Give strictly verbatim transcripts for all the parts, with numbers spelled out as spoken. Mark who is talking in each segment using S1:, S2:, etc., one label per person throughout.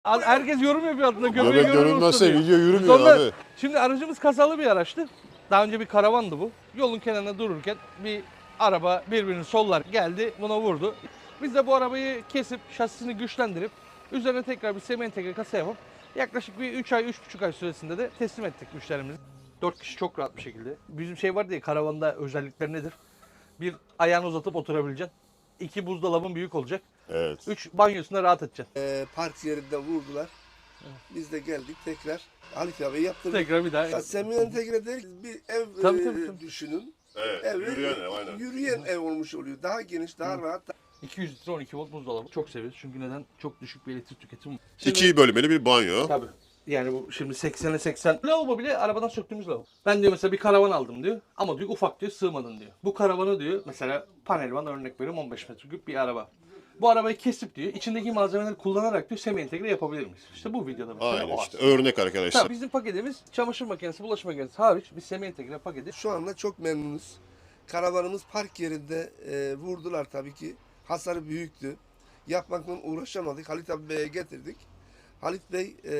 S1: Herkes yorum yapıyor altında. Göbeği
S2: Göbek görünmezse
S1: diyor.
S2: video yürümüyor
S1: Sonra,
S2: abi.
S1: şimdi aracımız kasalı bir araçtı. Daha önce bir karavandı bu. Yolun kenarında dururken bir araba birbirini sollar geldi, buna vurdu. Biz de bu arabayı kesip şasisini güçlendirip üzerine tekrar bir semi entegre kasa yapıp yaklaşık bir üç ay, üç buçuk ay süresinde de teslim ettik müşterimize. dört kişi çok rahat bir şekilde. Bizim şey var diye karavanda özellikler nedir? Bir, ayağını uzatıp oturabileceksin. İki, buzdolabın büyük olacak.
S2: Evet.
S1: Üç, banyosunda rahat edeceksin.
S3: Ee, park yerinde vurdular. Biz de geldik tekrar Halit abi yaptırdık.
S1: Tekrar bir daha.
S3: Ya, semi entegre değil, bir ev
S1: Tabii,
S3: e,
S1: tabii, tabii.
S3: düşünün.
S2: Evet,
S3: Ev,
S2: yürüyen ev, aynen.
S3: Yürüyen ev olmuş oluyor. Daha geniş, daha
S1: Hı.
S3: rahat.
S1: iki yüz litre on iki volt buzdolabı. Çok seviyoruz çünkü neden? Çok düşük bir elektrik tüketimi.
S2: İki bölmeli bir banyo.
S1: Tabii. Yani bu şimdi seksene seksen. Lavabo bile arabadan söktüğümüz lavabo. Ben diyor mesela bir karavan aldım diyor. Ama diyor ufak diyor sığmadın diyor. Bu karavanı diyor mesela panelvan örnek veriyorum on beş metreküp bir araba. Bu arabayı kesip diyor içindeki malzemeleri kullanarak diyor semi entegre yapabilir miyiz? İşte bu videoda mesela
S2: Aynen
S1: o
S2: işte
S1: aslında.
S2: örnek arkadaşlar.
S1: Tabii bizim paketimiz çamaşır makinesi, bulaşık makinesi hariç bir semi entegre paketi.
S3: Şu anda çok memnunuz. Karavanımız park yerinde e, vurdular tabii ki. Hasarı büyüktü. Yapmakla uğraşamadık. Halit abi Bey'e getirdik. Halit Bey e,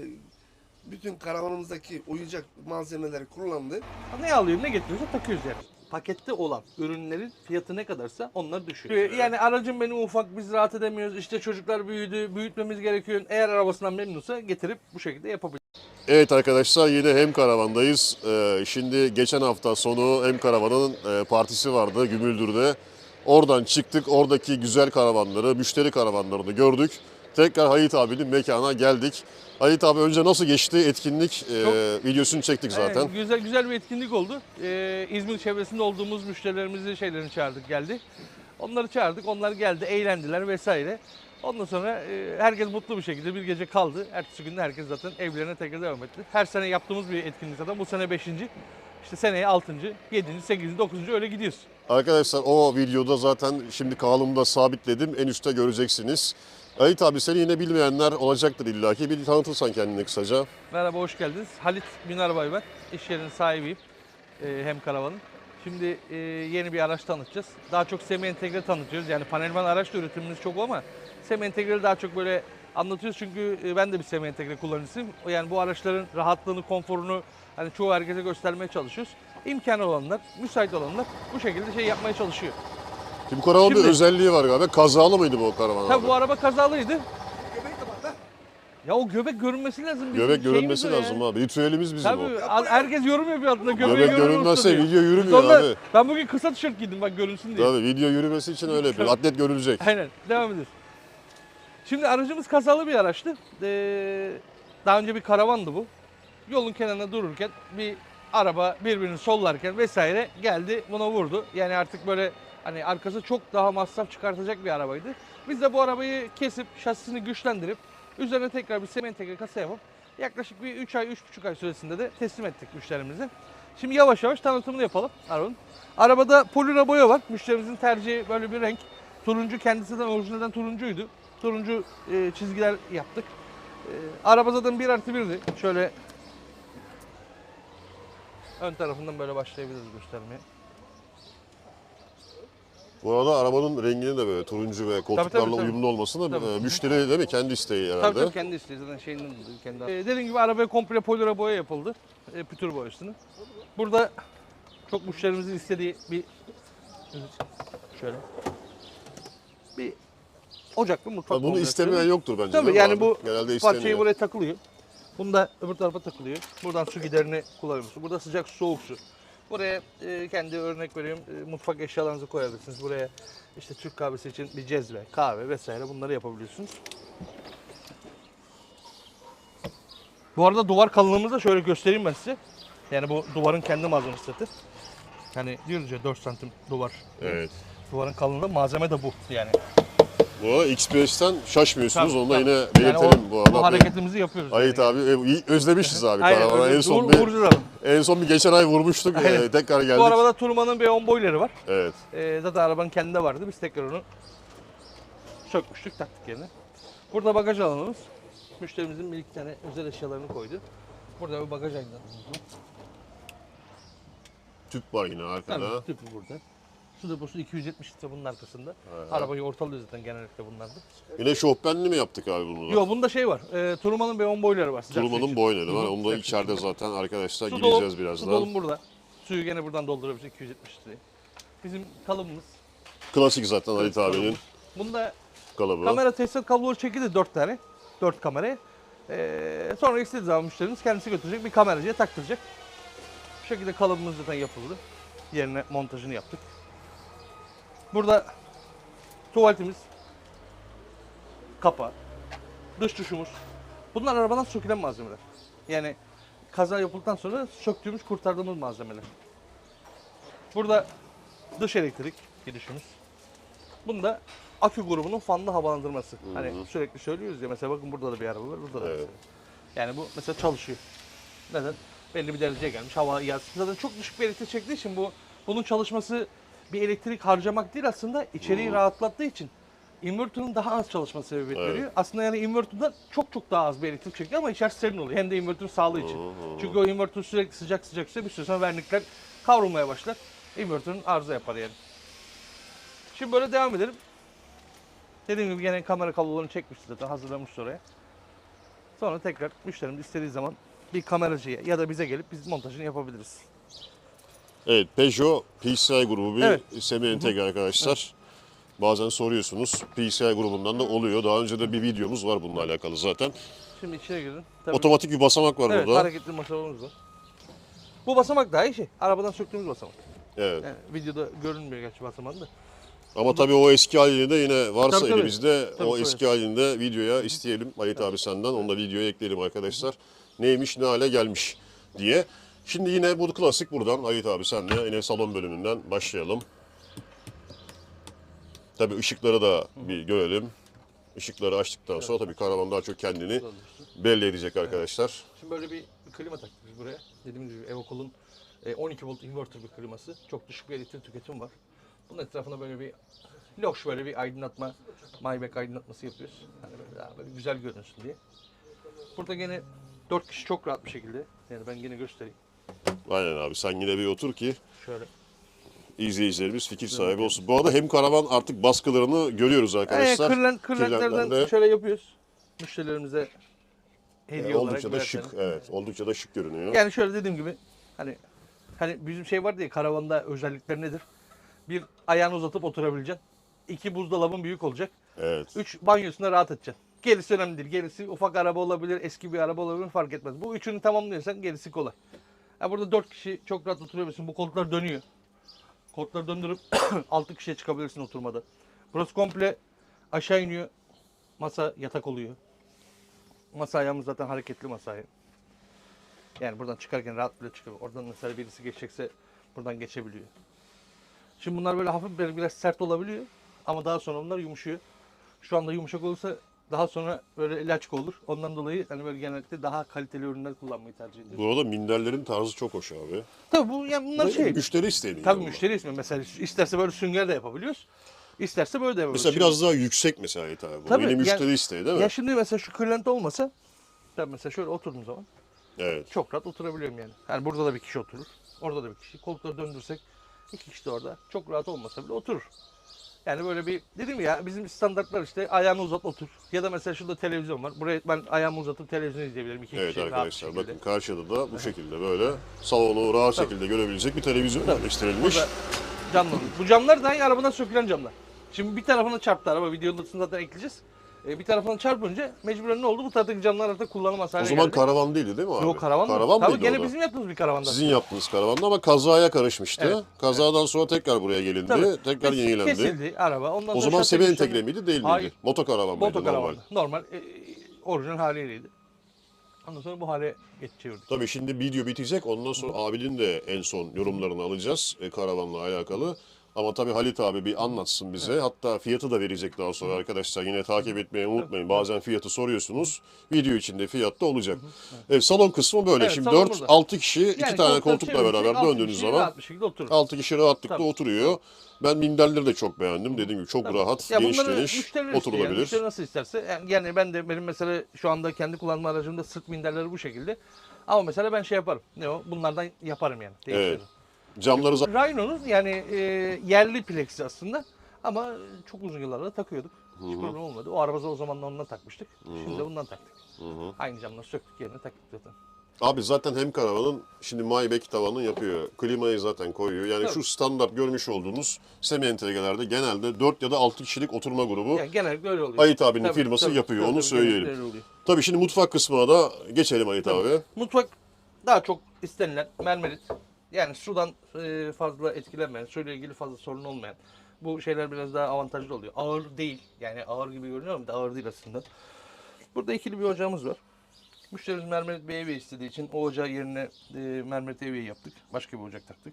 S3: bütün karavanımızdaki oyuncak malzemeleri kullandı.
S1: Ne alıyor ne getiriyorsa takıyoruz yani. Pakette olan ürünlerin fiyatı ne kadarsa onlar düşüyor. Yani aracım benim ufak, biz rahat edemiyoruz. İşte çocuklar büyüdü, büyütmemiz gerekiyor. Eğer arabasından memnunsa getirip bu şekilde yapabilir.
S2: Evet arkadaşlar yine hem karavandayız. Ee, şimdi geçen hafta sonu hem karavanın e, partisi vardı Gümüldür'de. Oradan çıktık, oradaki güzel karavanları, müşteri karavanlarını gördük. Tekrar Halit abinin mekana geldik. Halit abi önce nasıl geçti etkinlik e, videosunu çektik zaten.
S1: Evet, güzel güzel bir etkinlik oldu. Ee, İzmir çevresinde olduğumuz müşterilerimizi şeylerini çağırdık geldi. Onları çağırdık, onlar geldi, eğlendiler vesaire. Ondan sonra e, herkes mutlu bir şekilde bir gece kaldı. Ertesi gün de herkes zaten evlerine tekrar devam etti. Her sene yaptığımız bir etkinlik zaten. Bu sene beşinci. İşte seneye altıncı, yedinci, sekizinci, dokuzuncu öyle gidiyoruz.
S2: Arkadaşlar o videoda zaten şimdi kanalımda sabitledim. En üstte göreceksiniz. Halit abi seni yine bilmeyenler olacaktır illaki. Bir tanıtırsan kendini kısaca.
S1: Merhaba, hoş geldiniz. Halit Binarbay ben. İş yerinin sahibiyim. Ee, hem karavanın. Şimdi e, yeni bir araç tanıtacağız. Daha çok semi entegre tanıtıyoruz. Yani panelvan araç da üretimimiz çok ama semi entegreyi daha çok böyle anlatıyoruz. Çünkü e, ben de bir semi entegre kullanıcısıyım. Yani bu araçların rahatlığını, konforunu hani çoğu herkese göstermeye çalışıyoruz. İmkanı olanlar, müsait olanlar bu şekilde şey yapmaya çalışıyor.
S2: Şimdi bu karavanın
S1: Şimdi-
S2: bir özelliği var galiba. Kazalı mıydı bu karavan
S1: Tabii
S2: abi?
S1: bu araba kazalıydı.
S3: Göbek kapat
S1: Ya o göbek görünmesi lazım. Bizim
S2: Göbek
S1: şeyimiz
S2: görünmesi
S1: o ya.
S2: lazım abi. Ritüelimiz bizim
S1: Tabii
S2: o.
S1: a- herkes yorum yapıyor altında. Göbeği
S2: Göbek
S1: görünür
S2: görünmezse
S1: olsun diye.
S2: video yürümüyor
S1: Sonra
S2: abi.
S1: ben bugün kısa tişört giydim bak görünsün diye.
S2: Tabii video yürümesi için öyle yapıyor. Atlet görülecek.
S1: Aynen devam ediyoruz. Şimdi aracımız kasalı bir araçtı. Ee, daha önce bir karavandı bu. Yolun kenarında dururken bir araba birbirini sollarken vesaire geldi buna vurdu. Yani artık böyle hani arkası çok daha masraf çıkartacak bir arabaydı. Biz de bu arabayı kesip şasisini güçlendirip üzerine tekrar bir semi entegre kasa yapıp yaklaşık bir üç ay, üç buçuk ay süresinde de teslim ettik müşterimize. Şimdi yavaş yavaş tanıtımını yapalım arabanın. Arabada polira boya var. Müşterimizin tercihi böyle bir renk. Turuncu kendisinden orijinalden turuncuydu. Turuncu e, çizgiler yaptık. E, araba zaten bir artı birdi. Şöyle ön tarafından böyle başlayabiliriz göstermeye.
S2: Bu arada arabanın renginin de böyle turuncu ve koltuklarla
S1: tabii, tabii.
S2: uyumlu olmasını
S1: Tabii.
S2: e, müşteri değil mi? Kendi isteği herhalde.
S1: Tabii tabii kendi isteği zaten şeyinden dolayı kendi. E, dediğim gibi arabaya komple polira boya yapıldı. E, pütür boyasını. Burada çok müşterimizin istediği bir şöyle bir ocaklı mutfak.
S2: Ha, bunu
S1: kombinasyonu.
S2: istemeyen yoktur bence.
S1: Tabii
S2: değil mi
S1: yani
S2: abi?
S1: bu
S2: Genelde
S1: parçayı
S2: isteniyor.
S1: buraya takılıyor. Bunu da öbür tarafa takılıyor. Buradan su giderini kullanıyorsunuz. Burada sıcak su, soğuk su. Buraya e, kendi örnek veriyorum e, mutfak eşyalarınızı koyabilirsiniz. Buraya işte Türk kahvesi için bir cezve, kahve vesaire bunları yapabiliyorsunuz. Bu arada duvar kalınlığımızı da şöyle göstereyim ben size. Yani bu duvarın kendi malzemesi zaten. Hani diyoruz ya dört santim duvar.
S2: Evet.
S1: Duvarın kalınlığı malzeme de bu yani.
S2: Bu X beşten şaşmıyorsunuz.
S1: Tabii,
S2: Onu da
S1: tabii.
S2: yine
S1: Yani
S2: belirtelim
S1: o-
S2: bu arada.
S1: Bu hareketimizi yapıyoruz.
S2: Halit
S1: yani.
S2: abi e, iyi- özlemişiz abi
S1: Aynen,
S2: karavana.
S1: öyle.
S2: En son
S1: Vur-
S2: bir,
S1: vuracağız abi.
S2: en son bir geçen ay vurmuştuk.
S1: Aynen.
S2: e, tekrar geldik.
S1: Bu arabada Turman'ın bir on boyları var.
S2: Evet.
S1: Ee, zaten arabanın kendinde vardı. Biz tekrar onu sökmüştük, taktık yerine. Burada bagaj alanımız. Müşterimizin bir iki tane özel eşyalarını koydu. Burada bir bagaj aydınlatmamız var.
S2: Tüp var yine arkada.
S1: Tabii tüpü burada. Su deposu iki yüz yetmiş litre bunun arkasında. Arabayı ortalıyor zaten genellikle bunlarda.
S2: Yine şofbenli mi yaptık abi bunu?
S1: Yok bunda şey var. E, Turman'ın B on boyları var. sıcak su
S2: Turmanın
S1: için.
S2: boyları var.
S1: Hı hı,
S2: Onu da
S1: sıcak su
S2: içeride
S1: için.
S2: zaten arkadaşlar
S1: Su
S2: gideceğiz
S1: dolum-
S2: birazdan.
S1: Su dolum burada. Suyu gene buradan doldurabiliriz iki yüz yetmiş litreyi. Bizim kalıbımız.
S2: Klasik zaten Halit abinin
S1: kalıbımız. Bunda
S2: kalıbı.
S1: kamera tesisat kabloları çekildi dört tane. dört kamerayı. Ee, sonra istediği zaman müşterimiz kendisi götürecek bir kameracıya taktıracak. Bu şekilde kalıbımız zaten yapıldı. Yerine montajını yaptık. Burada tuvaletimiz, kapağı, dış duşumuz. Bunlar arabadan sökülen malzemeler. Yani kaza yapıldıktan sonra söktüğümüz, kurtardığımız malzemeler. Burada dış elektrik gidişimiz. Bunda akü grubunun fanlı havalandırması. Hani sürekli söylüyoruz ya, mesela bakın burada da bir araba var, burada da.
S2: Evet.
S1: mesela. Yani bu mesela çalışıyor. Neden? Belli bir dereceye gelmiş, hava yansıtıyor. Zaten çok düşük bir elektrik çektiği için bu bunun çalışması bir elektrik harcamak değil, aslında içeriği rahatlattığı için inverter'ın daha az çalışma sebebiyet
S2: Evet.
S1: veriyor. Aslında yani inverter'dan çok çok daha az bir elektrik çekiyor ama içerisi serin oluyor. Hem de inverter sağlığı için. Çünkü o inverter sürekli sıcak sıcak ise bir süre sonra vernikler kavrulmaya başlar. Inverter'ın arıza yapar yani. Şimdi böyle devam edelim. Dediğim gibi gene kamera kablolarını çekmiş zaten, hazırlamış oraya. Sonra tekrar müşterimiz istediği zaman bir kameracıya ya da bize gelip biz montajını yapabiliriz.
S2: Evet, Peugeot P C I grubu bir
S1: Evet.
S2: semi entegre arkadaşlar. Bazen soruyorsunuz. P C I grubundan da oluyor. Daha önce de bir videomuz var bununla alakalı zaten.
S1: Şimdi içeri girin. Tabii.
S2: Otomatik bir basamak var
S1: Evet,
S2: burada.
S1: hareketli masamız var. Bu basamak daha iyi şey. Arabadan söktüğümüz basamak.
S2: Evet.
S1: Yani videoda görünmüyor gerçi basamağın da.
S2: Ama tabii o eski halini de yine varsa
S1: Tabii, tabii.
S2: elimizde
S1: Tabii,
S2: o
S1: tabii.
S2: eski halini de videoya isteyelim Halit abi senden. Onu da videoya ekleyelim arkadaşlar. Neymiş, ne hale gelmiş diye. Şimdi yine bu klasik buradan Halit abi senle yine salon bölümünden başlayalım. Tabii ışıkları da bir görelim. Işıkları açtıktan sonra tabii karavan daha çok kendini belli edecek arkadaşlar.
S1: Şimdi böyle bir, bir klima taktık biz buraya. Dediğimiz gibi Evocol'un e, on iki volt inverter bir kliması. Çok düşük bir elektrik tüketimi var. Bunun etrafına böyle bir loş, böyle bir aydınlatma, Maybach aydınlatması yapıyoruz. Hani böyle daha böyle güzel görünsün diye. Burada gene dört kişi çok rahat bir şekilde. Yani ben gene göstereyim.
S2: Aynen abi, sen yine bir otur ki
S1: Şöyle.
S2: izleyicilerimiz fikir sahibi olsun. Bu arada hem karavan artık baskılarını görüyoruz
S1: Yani
S2: arkadaşlar.
S1: kırlent, kırlentlerden
S2: Kırlentlerle,
S1: şöyle yapıyoruz. Müşterilerimize hediye
S2: e,
S1: olarak
S2: oldukça da
S1: birer
S2: şık.
S1: tane.
S2: Evet, oldukça da şık görünüyor.
S1: Yani şöyle dediğim gibi hani hani bizim şey var diye, karavanda özellikler nedir? Bir, ayağını uzatıp oturabileceksin. İki, buzdolabın büyük olacak.
S2: Evet.
S1: Üç, banyosunda rahat edeceksin. Gerisi önemli değil. Gerisi ufak araba olabilir, eski bir araba olabilir, fark etmez. Bu üçünü tamamlıyorsan gerisi kolay. Ya burada dört kişi çok rahat oturabilirsin. Bu koltuklar dönüyor. Koltukları döndürüp altı kişiye çıkabilirsin oturmada. Burası komple aşağı iniyor. Masa yatak oluyor. Masa ayağımız zaten hareketli masa ayağı. Yani buradan çıkarken rahat bile çıkıyor. Oradan mesela birisi geçecekse buradan geçebiliyor. Şimdi bunlar böyle hafif böyle biraz sert olabiliyor. Ama daha sonra bunlar yumuşuyor. Şu anda yumuşak olursa daha sonra böyle laçka olur. Ondan dolayı hani böyle genellikle daha kaliteli ürünler kullanmayı tercih ediyoruz.
S2: Bu arada minderlerin tarzı çok hoş abi.
S1: Tabii bu yani bunlar
S2: Ve
S1: şey.
S2: Müşteri isteği.
S1: Tabii müşteri ismi. Mesela isterse böyle sünger de yapabiliyoruz. İsterse böyle de yapabiliyoruz.
S2: Mesela
S1: Şimdi-
S2: biraz daha yüksek mesela Halit abi. Bu
S1: Tabii,
S2: yine
S1: yani-
S2: müşteri isteği değil mi?
S1: Ya şimdi mesela şu kırlent olmasa, tabii mesela şöyle oturduğum zaman
S2: Evet.
S1: çok rahat oturabiliyorum yani. Yani burada da bir kişi oturur. Orada da bir kişi. Koltukları döndürsek iki kişi de orada. Çok rahat olmasa bile oturur. Yani böyle bir, dedim ya, bizim standartlar işte ayağını uzat otur. Ya da mesela şurada televizyon var. Buraya ben ayağımı uzatıp televizyon izleyebilirim. İki
S2: Evet
S1: kişi rahat bir
S2: arkadaşlar
S1: şekilde.
S2: bakın karşıda da bu şekilde böyle salonu rahat şekilde görebilecek bir televizyon yerleştirilmiş.
S1: Burada camlar. Bu camlar dahi arabadan sökülen camlar. Şimdi bir tarafına çarptı araba. Videonun zaten ekleyeceğiz. Ee, bir tarafına çarpınca mecburen ne oldu? Bu taraftaki camlar artık kullanılmaz hale
S2: O zaman
S1: geldi.
S2: karavan değildi değil mi abi?
S1: Yok, karavan mı?
S2: Karavan
S1: Tabii
S2: mıydı
S1: gene
S2: o da?
S1: bizim yaptığımız bir karavanda.
S2: Sizin yaptığınız karavanda ama kazaya karışmıştı.
S1: Evet.
S2: Kazadan sonra tekrar buraya gelindi.
S1: Tabii.
S2: Tekrar
S1: Kes-
S2: yenilendi.
S1: Kesildi araba. Ondan
S2: O
S1: sonra
S2: zaman
S1: şase
S2: semi
S1: güçlenme-
S2: entegre miydi değil miydi?
S1: Hayır.
S2: Motokaravan mıydı normal?
S1: Motokaravandı. Normal. e, e, orijinal haliyleydi. Ondan sonra bu hale geç çevirdik.
S2: Tabii şimdi video bitecek. Ondan sonra abinin de en son yorumlarını alacağız e, karavanla alakalı. Ama tabii Halit abi bir anlatsın bize. Hatta fiyatı da verecek daha sonra arkadaşlar. Yine takip etmeyi unutmayın. Bazen fiyatı soruyorsunuz. Video içinde fiyat da olacak. Evet, salon kısmı böyle.
S1: Evet,
S2: Şimdi
S1: salon
S2: dört
S1: burada.
S2: altı kişi iki
S1: Yani
S2: tane
S1: koltukları
S2: koltukla
S1: çevirecek,
S2: beraber
S1: altı
S2: döndüğünüz
S1: kişi
S2: zaman
S1: rahat bir şekilde oturur.
S2: altı kişi rahatlıkla
S1: Tabii.
S2: oturuyor. Ben minderleri de çok beğendim. Dediğim gibi çok
S1: Tabii.
S2: rahat,
S1: Ya
S2: geniş
S1: bunları
S2: geniş
S1: müşteriler istiyor yani.
S2: oturulabilir.
S1: Müşteri nasıl isterse. Yani, yani ben de, benim mesela şu anda kendi kullanma aracımda sırt minderleri bu şekilde. Ama mesela ben şey yaparım. Ne o? Bunlardan yaparım yani. Değiştiririm.
S2: Camları zaten
S1: Rhino'nun yani e, yerli plexi aslında ama çok uzun yıllarda takıyorduk. Hiç problem olmadı. O arabada o zaman da ondan takmıştık. Şimdi de bundan taktık. Aynı camları söktük yerine taktık zaten.
S2: Abi zaten hem karavanın şimdi Maybach tavanını yapıyor. Klimayı zaten koyuyor. Yani
S1: Tabii.
S2: şu standart görmüş olduğunuz semi entegrelerde genelde dört ya da altı kişilik oturma grubu
S1: Yani genellikle öyle oluyor.
S2: Ayit abinin
S1: Tabii,
S2: firması
S1: tabii,
S2: yapıyor.
S1: tabii,
S2: Onu
S1: tabii,
S2: söyleyelim.
S1: genellikle öyle oluyor.
S2: Tabii şimdi mutfak kısmına da geçelim Ayit
S1: Tabii.
S2: abi.
S1: Mutfak daha çok istenilen mermerit. Yani sudan e, fazla etkilenmeyen, suyla ilgili fazla sorun olmayan. Bu şeyler biraz daha avantajlı oluyor. Ağır değil. Yani ağır gibi görünüyor ama da ağır değil aslında. Burada ikili bir ocağımız var. Müşterimiz mermerit bir evi istediği için o ocağı yerine e, mermerit evi yaptık. Başka bir ocak taktık.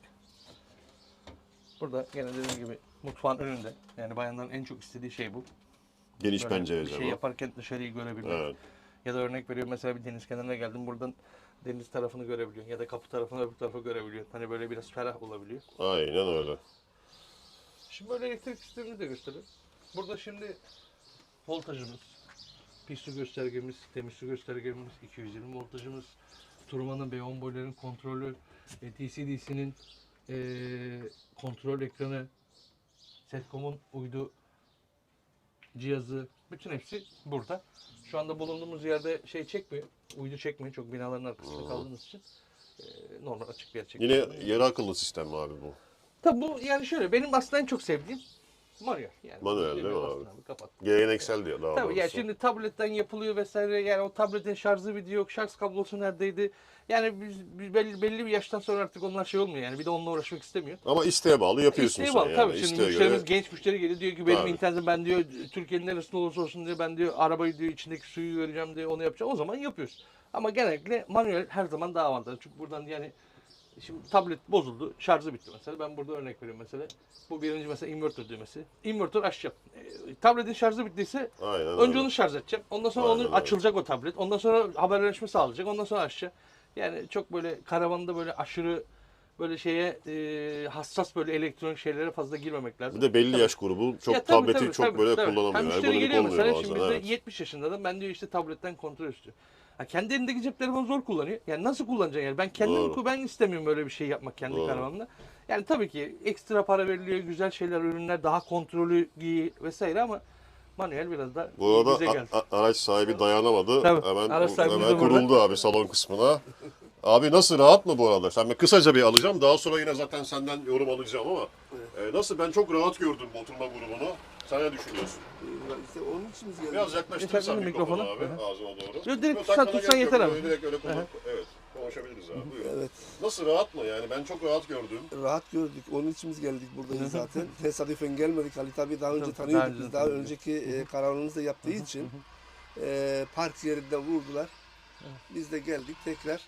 S1: Burada gene dediğim gibi mutfağın önünde. Yani bayanların en çok istediği şey bu.
S2: Geniş
S1: Böyle
S2: pencere
S1: bir şey
S2: camı.
S1: yaparken dışarıyı görebilmek.
S2: Evet.
S1: Ya da örnek veriyorum mesela bir deniz kenarına geldim buradan deniz tarafını görebiliyorsun ya da kapı tarafını öbür tarafa görebiliyorsun. Hani böyle biraz ferah olabiliyor.
S2: Aynen öyle.
S1: Şimdi böyle elektrik sistemini de göstereyim. Burada şimdi voltajımız, pis su göstergemiz, temiz su göstergemiz, iki yüz yirmi voltajımız, turmanın B on boyların kontrolü, e, D C D C'nin e, kontrol ekranı, Setcom'un uydu cihazı, bütün hepsi burada. Şu anda bulunduğumuz yerde şey çekmiyor, uydu çekmiyor çok binaların arkasında kaldığımız için. E, normal açık bir yer çekiyor.
S2: Yine yarı akıllı sistem mi abi bu?
S1: Tabii bu yani şöyle benim aslında en çok sevdiğim manuel. Yani
S2: Manuel değil mi
S1: Bastın
S2: abi?
S1: Kapat.
S2: Geleneksel diyor daha
S1: Tabii yani
S2: doğrusu.
S1: şimdi tabletten yapılıyor vesaire yani o tabletin şarjı video yok, şarj kablosu neredeydi? Yani biz, biz belli, belli bir yaştan sonra artık onlar şey olmuyor yani bir de onunla uğraşmak istemiyor.
S2: Ama isteğe bağlı yapıyorsun
S1: İsteğe
S2: sen
S1: bağlı
S2: yani.
S1: tabii. Şimdi
S2: İsteğe
S1: müşterimiz
S2: göre-
S1: genç müşteri geliyor diyor ki benim
S2: Tabii.
S1: internetim ben diyor Türkiye'nin neresinde olursa olsun diyor ben diyor arabayı diyor içindeki suyu vereceğim diyor onu yapacağım o zaman yapıyoruz. Ama genellikle manuel her zaman daha avantajlı çünkü buradan yani şimdi tablet bozuldu, şarjı bitti mesela. Ben burada örnek veriyorum mesela. Bu birinci mesela inverter düğmesi. Inverter açacağım. E, tabletin şarjı bittiyse
S2: Aynen
S1: önce
S2: öyle.
S1: onu şarj edeceğim. Ondan sonra
S2: Aynen
S1: onu
S2: öyle.
S1: açılacak o tablet. Ondan sonra haberleşme sağlayacak. Ondan sonra açacak. Yani çok böyle karavanda böyle aşırı böyle şeye e, hassas böyle elektronik şeylere fazla girmemek lazım.
S2: Bir de belli
S1: Tabii.
S2: yaş grubu çok
S1: Ya tabii,
S2: tableti
S1: tabii,
S2: çok
S1: tabii,
S2: böyle
S1: tabii.
S2: kullanamıyor.
S1: Ha, müşteri
S2: Ergonomik
S1: geliyor
S2: olmuyor
S1: mesela
S2: bazen.
S1: şimdi bizde
S2: Evet.
S1: yetmiş yaşında adam ben diyor işte tabletten kontrol istiyor. Ha, kendi elindeki cep telefonu zor kullanıyor. Yani nasıl kullanacaksın yani? Ben kendim
S2: Doğru.
S1: ben istemiyorum böyle bir şey yapmak kendi
S2: Doğru.
S1: karavanımda. Yani tabii ki ekstra para veriliyor, güzel şeyler, ürünler, daha kontrolü giy vesaire ama manuel biraz da
S2: Bu arada
S1: bize geldi.
S2: a- a- araç sahibi dayanamadı.
S1: Tabii,
S2: Hemen
S1: araç sahibimiz
S2: hemen
S1: de burada.
S2: kuruldu abi salon kısmına. Abi nasıl rahat mı bu arada? Sen ben kısaca bir alacağım. Daha sonra yine zaten senden yorum alacağım ama e, nasıl ben çok rahat gördüm bu oturma grubunu. Sen ne düşünüyorsun?
S3: İşte onun için biz geldik.
S2: Biraz yaklaştırırsan
S1: Geçelim
S2: mikrofonu
S1: mikrofona.
S2: abi ağzına doğru.
S1: Yok, direkt
S2: Yok,
S1: tutsan-
S2: takmana
S1: tutsan
S2: gerek yok.
S1: yeter abi.
S2: Böyle Direkt öyle konu- Evet konuşabiliriz abi. Buyurun.
S3: Evet.
S2: Nasıl rahat mı yani? Ben çok rahat gördüm.
S3: Rahat gördük. Onun için biz geldik buradayız zaten. Tesadüfen gelmedik. Halit abi daha önce
S1: Tabii,
S3: tanıyorduk.
S1: daha önce
S3: Biz daha
S1: tanıyorduk.
S3: önceki e, karavanımızda yaptığı için e, park yerinden vurdular. Biz de geldik tekrar.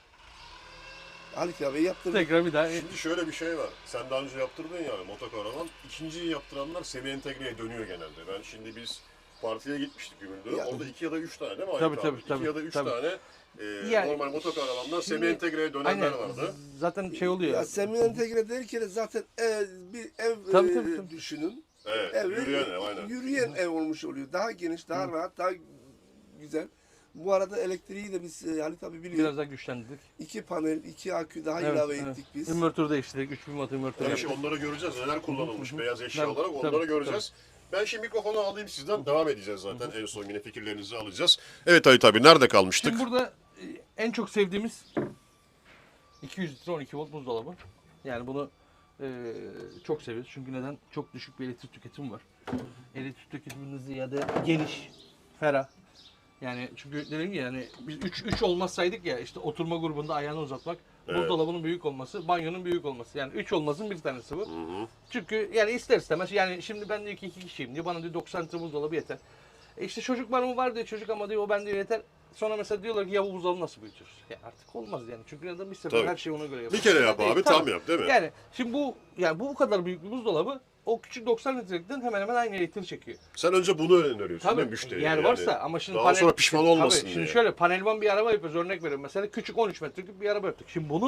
S3: Halit abi yaptırdık.
S1: Tekrar bir daha
S2: Şimdi şöyle bir şey var. Sen daha önce yaptırdın yani motokaravan. İkinciyi yaptıranlar semi entegreye dönüyor genelde. Ben şimdi biz partiye gitmiştik Gümüldür'e.
S3: Ya-
S2: Orada iki ya da üç tane değil mi Ayet
S1: Tabii,
S2: abi?
S1: tabii,
S2: İki
S1: tabii,
S2: ya da üç
S1: tabii.
S2: tane e,
S1: Yani
S2: normal motokaravanlar
S1: şimdi-
S2: semi entegreye dönenler
S1: aynen
S2: vardı.
S1: zaten şey oluyor.
S3: Ya semi entegre derken zaten ev, bir ev
S1: Tabii,
S3: e,
S1: tabii, tabii.
S3: düşünün.
S2: Evet,
S3: Ev,
S2: yürüyen ev aynen.
S3: Yürüyen ev olmuş oluyor. Daha geniş, daha rahat, daha güzel. Bu arada elektriği de biz e, Halit abi biliyor.
S1: Biraz daha güçlendirdik.
S3: İki panel, iki akü daha
S1: Evet,
S3: ilave
S1: evet.
S3: ettik biz.
S1: Inverter değiştirdik. üç bin watt inverter
S2: Yani
S1: yaptık.
S2: şimdi onları göreceğiz. Neler kullanılmış beyaz eşya
S1: Tabii,
S2: olarak onları
S1: tabii,
S2: göreceğiz. Ben şimdi mikrofonu alayım sizden. Devam edeceğiz zaten. En son yine fikirlerinizi alacağız. Evet Ayet abi nerede kalmıştık?
S1: Şimdi burada e, en çok sevdiğimiz iki yüz litre on iki volt buzdolabı. Yani bunu e, çok seviyoruz. Çünkü neden? Çok düşük bir elektrik tüketimi var. Elektrik tüketiminden ziyade geniş, ferah. Yani çünkü dediğim gibi yani biz üç üç olmasaydık ya işte oturma grubunda ayağını uzatmak,
S2: Evet.
S1: buzdolabının büyük olması, banyonun büyük olması. Yani üç olmasın bir tanesi bu. Çünkü yani ister istemez yani şimdi ben diyor ki iki kişiyim diyor bana diyor doksan litre buzdolabı yeter. E işte çocuk var mı var diyor çocuk ama diyor o ben diyor yeter. Sonra mesela diyorlar ki ya bu buzdolabı nasıl büyütürüz? Ya artık olmaz yani çünkü adam bir sefer
S2: Tabii.
S1: her şeyi ona göre yapıyor.
S2: Bir kere yap
S1: Değil,
S2: abi
S1: tabii.
S2: tam yap değil mi?
S1: Yani şimdi bu yani bu bu kadar büyük bir buzdolabı o küçük doksan litrelikten hemen hemen aynı elektriği çekiyor.
S2: Sen önce bunu öneriyorsun
S1: Tabii
S2: değil mi müşteriye?
S1: yer
S2: yani?
S1: varsa ama şimdi
S2: Daha sonra pişman olmasın
S1: Tabii,
S2: diye.
S1: şimdi şöyle panelvan bir araba yapıyoruz örnek veriyorum. Mesela küçük on üç metreküp bir araba yaptık. Şimdi bunu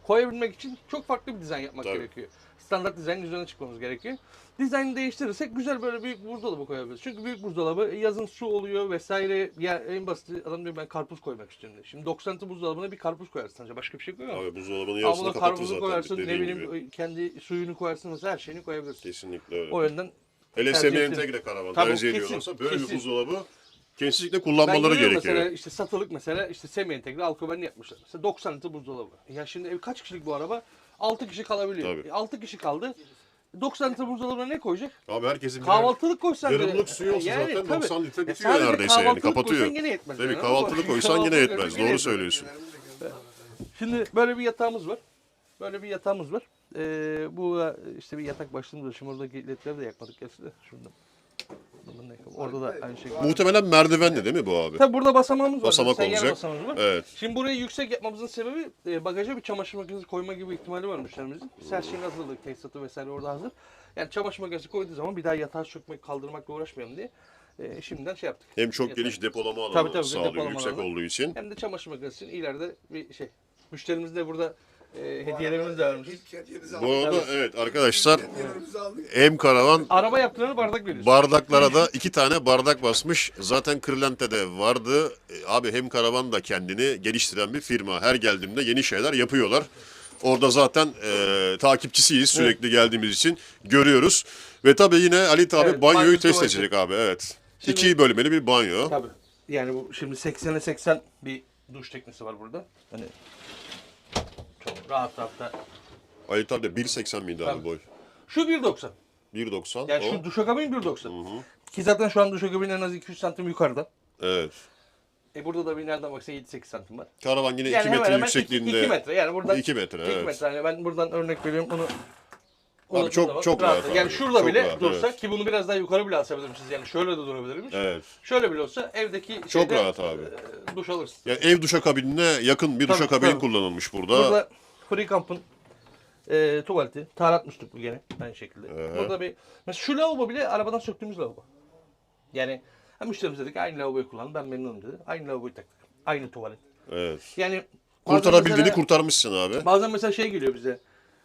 S1: koyabilmek için çok farklı bir dizayn yapmak
S2: Tabii.
S1: gerekiyor. Standart dizaynın üzerine çıkmamız gerekiyor. Dizaynı değiştirirsek güzel böyle büyük buzdolabı koyabiliriz. Çünkü büyük buzdolabı yazın su oluyor vesaire. Ya en basit adam diyor ben karpuz koymak istiyorum diyor. Şimdi doksan litre buzdolabına bir karpuz koyarsın sadece başka bir şey koyamaz.
S2: Abi buzdolabının
S1: Ama
S2: yarısını
S1: buna
S2: kapatır
S1: karpuzu
S2: zaten
S1: koyarsın, ne
S2: dediğin
S1: bileyim
S2: gibi.
S1: kendi suyunu koyarsın mesela her şeyini koyabilirsin.
S2: Kesinlikle öyle.
S1: O yönden
S2: Hele
S1: tercih
S2: semi
S1: ettim.
S2: entegre karavan
S1: Tabii,
S2: tercih
S1: kesin,
S2: ediyorlarsa böyle
S1: kesin.
S2: bir buzdolabı kesinlikle
S1: ben
S2: kullanmaları
S1: görüyorum
S2: gerekiyor.
S1: mesela işte satılık mesela işte semi entegre alkobenli yapmışlar. Mesela doksan litre buzdolabı. Ya şimdi ev kaç kişilik bu araba? altı kişi kalabiliyor.
S2: Tabii.
S1: E, altı kişi kaldı. doksan litre buzdolabına ne koyacak?
S2: Abi herkesin birer
S1: Kahvaltılık koysan bile-
S2: yarımlık suyu olsa
S1: Yani
S2: zaten
S1: tabii.
S2: doksan litre
S1: Ya
S2: bitiyor
S1: sadece
S2: neredeyse yani
S1: kahvaltılık
S2: kapatıyor.
S1: koysan gene yetmez
S2: Tabii
S1: yani.
S2: kahvaltılık koysan yine
S1: Kahvaltılık
S2: yetmez.
S1: koysan
S2: Doğru
S1: yine
S2: söylüyorsun.
S1: Şimdi böyle bir yatağımız var. Böyle bir yatağımız var. Ee, bu da işte bir yatak başlığımız var. Şimdi oradaki ledleri de yakmadık gerçi de. Şurada. Bundan da yakalım. Orada da aynı şekilde.
S2: Muhtemelen merdivenli değil mi bu abi?
S1: Tabii burada basamağımız var.
S2: Basamak
S1: Seyyar
S2: olacak.
S1: basamağımız var.
S2: Evet.
S1: Şimdi burayı yüksek yapmamızın sebebi e, bagaja bir çamaşır makinesi koyma gibi ihtimali var müşterimizin. Biz her şeyin hazırlık, tesisatı vesaire orada hazır. Yani çamaşır makinesi koyduğu zaman bir daha yatağı sökmek, kaldırmakla uğraşmayalım diye e, şimdiden şey yaptık.
S2: Hem çok
S1: Yatak.
S2: geniş depolama alanı
S1: Tabii, tabii,
S2: sağlıyor
S1: depolama
S2: yüksek
S1: alanı.
S2: olduğu için.
S1: Hem de çamaşır makinesi için ileride bir şey. Müşterimiz de burada e, hediyelerimiz de vermiş.
S3: İlk hediyemizi
S2: Bu
S3: aldık.
S2: arada evet arkadaşlar
S3: Hediyelerimizi aldık.
S2: M Karavan
S1: Araba yaptırana bardak veriyoruz.
S2: bardaklara da iki tane bardak basmış. Zaten Kırlente'de vardı. E, Abi hem Karavan da kendini geliştiren bir firma. Her geldiğimde yeni şeyler yapıyorlar. Orada zaten e, takipçisiyiz sürekli geldiğimiz için görüyoruz. Ve tabii yine Ali abi
S1: Evet,
S2: banyoyu
S1: banyosu
S2: test
S1: var.
S2: edecek abi evet.
S1: Şimdi-
S2: İki bölmeli bir banyo.
S1: Tabii. Yani bu şimdi seksene seksen bir duş teknisi var burada. Hani çok rahat rahat da.
S2: Ali abi de bir seksen miydi abi
S1: Tabii.
S2: boy?
S1: Şu bir doksan.
S2: bir doksan.
S1: Yani
S2: o.
S1: şu duşakabin bir doksan. Ki zaten şu an duşakabin en az iki üç santim yukarıda.
S2: Evet.
S1: E burada da bir nereden baksan yedi sekiz santim var.
S2: Karavan yine
S1: Yani
S2: iki
S1: hemen
S2: metre
S1: hemen
S2: yüksekliğinde.
S1: iki metre. Yani buradan
S2: iki metre,
S1: iki
S2: evet.
S1: metre. Yani ben buradan örnek veriyorum bunu.
S2: Abi çok- çok rahat abi.
S1: Yani şurada
S2: Çok
S1: bile
S2: rahat,
S1: dursa
S2: evet.
S1: ki bunu biraz daha yukarı bile asabilirmişiz. Yani şöyle de durabilirmiş.
S2: Evet.
S1: Şöyle bile olsa evdeki
S2: Çok
S1: şeyde,
S2: rahat abi.
S1: e, duş alırsın.
S2: Yani ev duşakabinine yakın bir
S1: Tabii,
S2: duşakabin
S1: tabii.
S2: kullanılmış burada.
S1: Burada Free Camp'ın e, tuvaleti. Taharat musluklu gene aynı şekilde. Burada bir mesela şu lavabo bile arabadan söktüğümüz lavabo. Yani ha, müşterimiz dedik aynı lavaboyu kullan ben memnunum dedi. Aynı lavaboyu taktık. Aynı tuvalet.
S2: Evet.
S1: Yani bazen
S2: Kurtarabildiğini
S1: mesela-
S2: kurtarmışsın abi.
S1: Bazen mesela şey geliyor bize.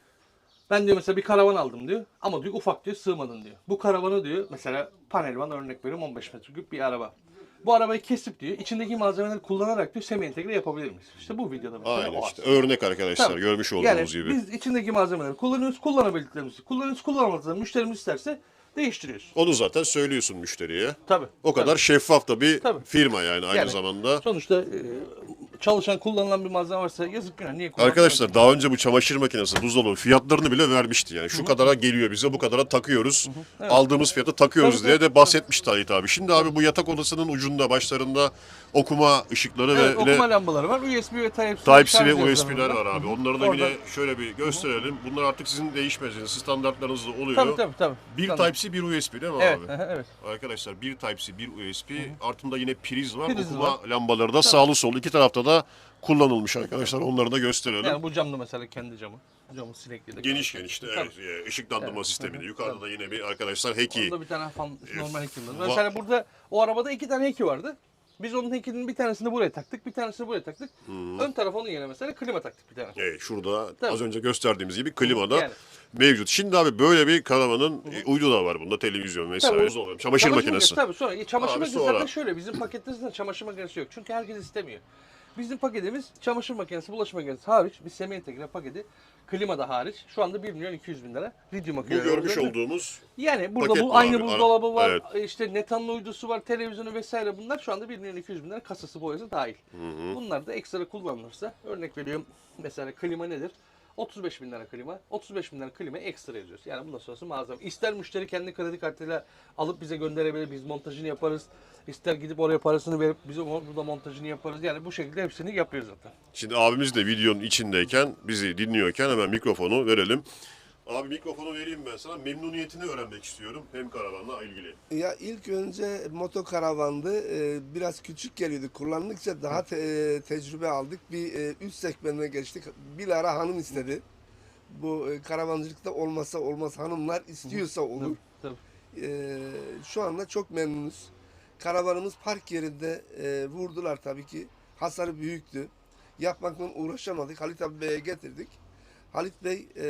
S1: Ben diyor mesela bir karavan aldım diyor. Ama diyor ufak diyor sığmadın diyor. Bu karavanı diyor mesela panel van örnek veriyorum on beş metreküp bir araba. Bu arabayı kesip diyor içindeki malzemeleri kullanarak diyor semi entegre yapabilir miyiz? İşte bu videoda mesela
S2: Aynen
S1: o
S2: işte.
S1: aslında.
S2: Örnek arkadaşlar
S1: Tabii.
S2: görmüş olduğunuz
S1: Yani
S2: gibi.
S1: biz içindeki malzemeleri kullanıyoruz, kullanabildiklerimizi kullanıyoruz, kullanamadığımızda müşterimiz isterse değiştiriyoruz.
S2: Onu zaten söylüyorsun müşteriye.
S1: Tabii.
S2: O kadar
S1: tabii.
S2: şeffaf da bir
S1: Tabii.
S2: firma yani aynı
S1: Yani
S2: zamanda.
S1: Sonuçta e, çalışan kullanılan bir malzeme varsa yazık günah niye kullanmıyoruz?
S2: Arkadaşlar daha önce bu çamaşır makinesi, buzdolabı fiyatlarını bile vermişti yani. Şu kadara geliyor bize, bu kadara takıyoruz.
S1: Evet.
S2: Aldığımız fiyatı takıyoruz
S1: Tabii,
S2: diye
S1: tabii.
S2: de bahsetmişti Halit abi. Şimdi abi bu yatak odasının ucunda, başlarında okuma ışıkları
S1: Evet,
S2: ve
S1: okuma
S2: yine
S1: lambaları var. U S B ve Type-C,
S2: Type-C
S1: şarj
S2: ve U
S1: cihazları
S2: S B'ler var abi. Onları da
S1: Orada-
S2: yine şöyle bir gösterelim. Bunlar artık sizin değişmeyeceğiniz standartlarınızda oluyor.
S1: Tabii tabii tabii.
S2: Bir
S1: Tabii.
S2: Type-C, bir U S B değil mi
S1: Evet,
S2: abi?
S1: evet.
S2: Arkadaşlar bir Type-C, bir U S B, altında yine priz var.
S1: Priz
S2: okuma
S1: var.
S2: lambaları da sağlı sollu iki tarafta da kullanılmış arkadaşlar. Onları da gösterelim.
S1: Yani bu cam da mesela kendi camı. Camı sinekli de.
S2: Geniş geniş de evet, e, ışıklandırma
S1: Evet.
S2: sisteminde. Yukarıda da yine bir arkadaşlar heki.
S1: Onda bir tane fan, normal hekimdi.
S2: va-
S1: Mesela burada o arabada iki tane heki vardı. Biz onun hekinin bir tanesini buraya taktık, bir tanesini buraya taktık. Ön taraf onun yerine mesela klima taktık bir tane.
S2: Evet, şurada
S1: Tabii.
S2: az önce gösterdiğimiz gibi klima da
S1: Yani.
S2: mevcut. Şimdi abi böyle bir karavanın e, uydu da var bunda, televizyon vesaire.
S1: Tabii.
S2: Buzdolabı, Çamaşır makinesi.
S1: Tabii sonra. Çamaşır
S2: Abi
S1: makinesi
S2: sonra.
S1: zaten şöyle. Bizim paketimizde çamaşır makinesi yok. Çünkü herkes istemiyor. Bizim paketimiz çamaşır makinesi, bulaşık makinesi hariç. Bir semi entegre paketi. Klima da hariç. Şu anda bir milyon iki yüz bin lira. Lityum
S2: Bu
S1: aküyle.
S2: görmüş olduğumuz
S1: Yani burada
S2: paket
S1: bu
S2: bu
S1: aynı
S2: abi.
S1: buzdolabı var,
S2: Evet.
S1: işte netanlı uydusu var, televizyonu vesaire bunlar şu anda bir milyon iki yüz bin lira kasası boyası dahil. Bunlar da ekstra kullanılırsa örnek veriyorum mesela klima nedir? otuz beş bin lira klima, otuz beş bin lira klima ekstra yazıyoruz. Yani bundan sonrası malzeme. İster müşteri kendi kredi kartıyla alıp bize gönderebilir, biz montajını yaparız. İster gidip oraya parasını verip bize burada montajını yaparız. Yani bu şekilde hepsini yapıyoruz zaten.
S2: Şimdi abimiz de videonun içindeyken, bizi dinliyorken hemen mikrofonu verelim. Abi mikrofonu vereyim ben sana. Memnuniyetini öğrenmek istiyorum hem karavanla ilgili.
S3: Ya ilk önce motokaravandı. Ee, biraz küçük geliyordu. Kullandıkça daha te- e, tecrübe aldık. Bir e, üst segmentine geçtik. Bilahare hanım istedi. Bu e, karavancılıkta olmasa olmaz, hanımlar istiyorsa olur.
S1: Tabii.
S3: Ee, şu anda çok memnunuz. Karavanımız park yerinde e, vurdular tabii ki. Hasarı büyüktü. Yapmakla uğraşamadık. Halit abi Bey'e getirdik. Halit Bey e,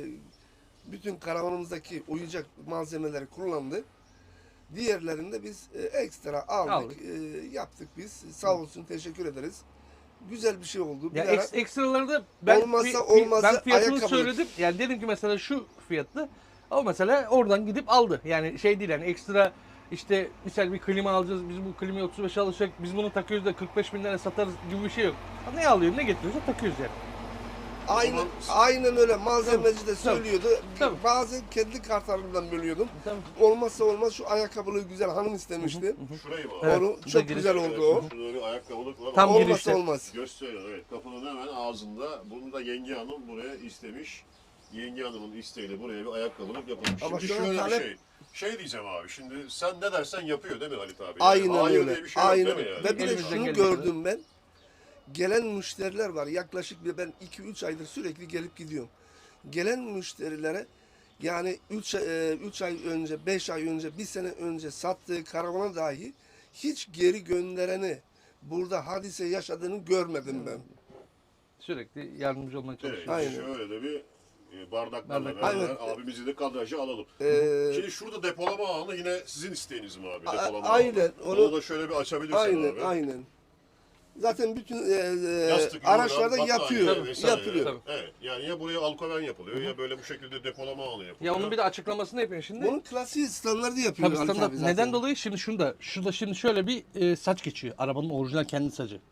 S3: bütün karavanımızdaki uyuyacak malzemeleri kullandı. Diğerlerinde biz e, ekstra aldık,
S1: Aldık.
S3: e, yaptık biz. Sağ olsun, teşekkür ederiz. Güzel bir şey oldu.
S1: Ya
S3: Bir ara-
S1: eks- ekstraları da ben,
S3: Olmazsa
S1: fi- fi-
S3: olmazı
S1: ben fiyatını
S3: ayakkabılık.
S1: söyledim. Yani dedim ki mesela şu fiyatlı. O mesela oradan gidip aldı. Yani şey değil yani ekstra işte misal bir klima alacağız. Biz bu klimayı otuz beş alacak. Biz bunu takıyoruz da kırk beş bin lira satarız gibi bir şey yok. Ne alıyor ne getiriyorsa takıyoruz yani.
S3: Aynen,
S2: zaman-
S3: aynen öyle. Malzemeci de söylüyordu.
S1: Tabii.
S3: Bazen kendi kartlarımdan bölüyordum.
S1: Tabii.
S3: Olmazsa olmaz şu ayakkabılığı güzel hanım istemişti.
S2: Şurayı mı?
S1: Evet,
S3: Onu
S1: bu da
S3: çok
S1: giriş.
S3: güzel oldu o.
S2: Şurada bir ayakkabılık var.
S1: Tam
S2: Ama
S1: girişte.
S3: Olmazsa olmaz.
S2: gösteriyor, evet. Kapının hemen ağzında. Bunu da yenge hanım buraya istemiş. Yenge hanımın isteğiyle buraya bir ayakkabılık yapılmış.
S3: Ama
S2: Şimdi
S3: şu an
S2: şöyle
S3: talep-
S2: bir şey. Şey diyeceğim abi, şimdi sen ne dersen yapıyor değil mi Halit abi? Yani
S3: Aynen
S2: hayır
S3: öyle.
S2: diye bir şey yok
S3: Aynen.
S2: değil mi yani?
S3: Ve bir de
S1: Elimizden
S3: şunu
S1: geldiği
S3: gördüm ben. Gelen müşteriler var. Yaklaşık bir ben iki üç aydır sürekli gelip gidiyorum. Gelen müşterilere yani üç ay önce, beş ay önce, bir sene önce sattığı karavana dahi hiç geri göndereni burada hadise yaşadığını görmedim ben.
S1: Sürekli yardımcı olmaya
S2: Evet,
S1: çalışıyor.
S3: Aynen.
S2: şöyle de bir e, bardaklarla
S1: Bardak.
S2: beraber
S3: Aynen.
S2: abimizi de kadraja alalım.
S3: Ee,
S2: Şimdi şurada depolama alanı yine sizin isteğiniz mi abi?
S3: A-
S2: Depolama
S3: aynen,
S2: alanı.
S3: onu-
S2: Onu da şöyle bir açabilirsen
S3: aynen,
S2: abi.
S3: aynen. Zaten bütün e, e,
S2: Yastık,
S3: araçlarda
S2: yorgan,
S3: yatıyor.
S2: battaniye vesaire.
S3: Yapılıyor.
S1: Tabii.
S2: Evet. Yani ya buraya alkoven yapılıyor ya böyle bu şekilde depolama alanı yapılıyor.
S1: Ya onun bir de açıklamasını yapıyor şimdi.
S3: Bunun klasiği standardı yapıyor.
S1: Tabii
S3: Halit
S1: standart.
S3: abi zaten.
S1: Neden dolayı? Şimdi şunda, şurada şimdi şöyle bir e, saç geçiyor. Arabanın orijinal kendi sacı.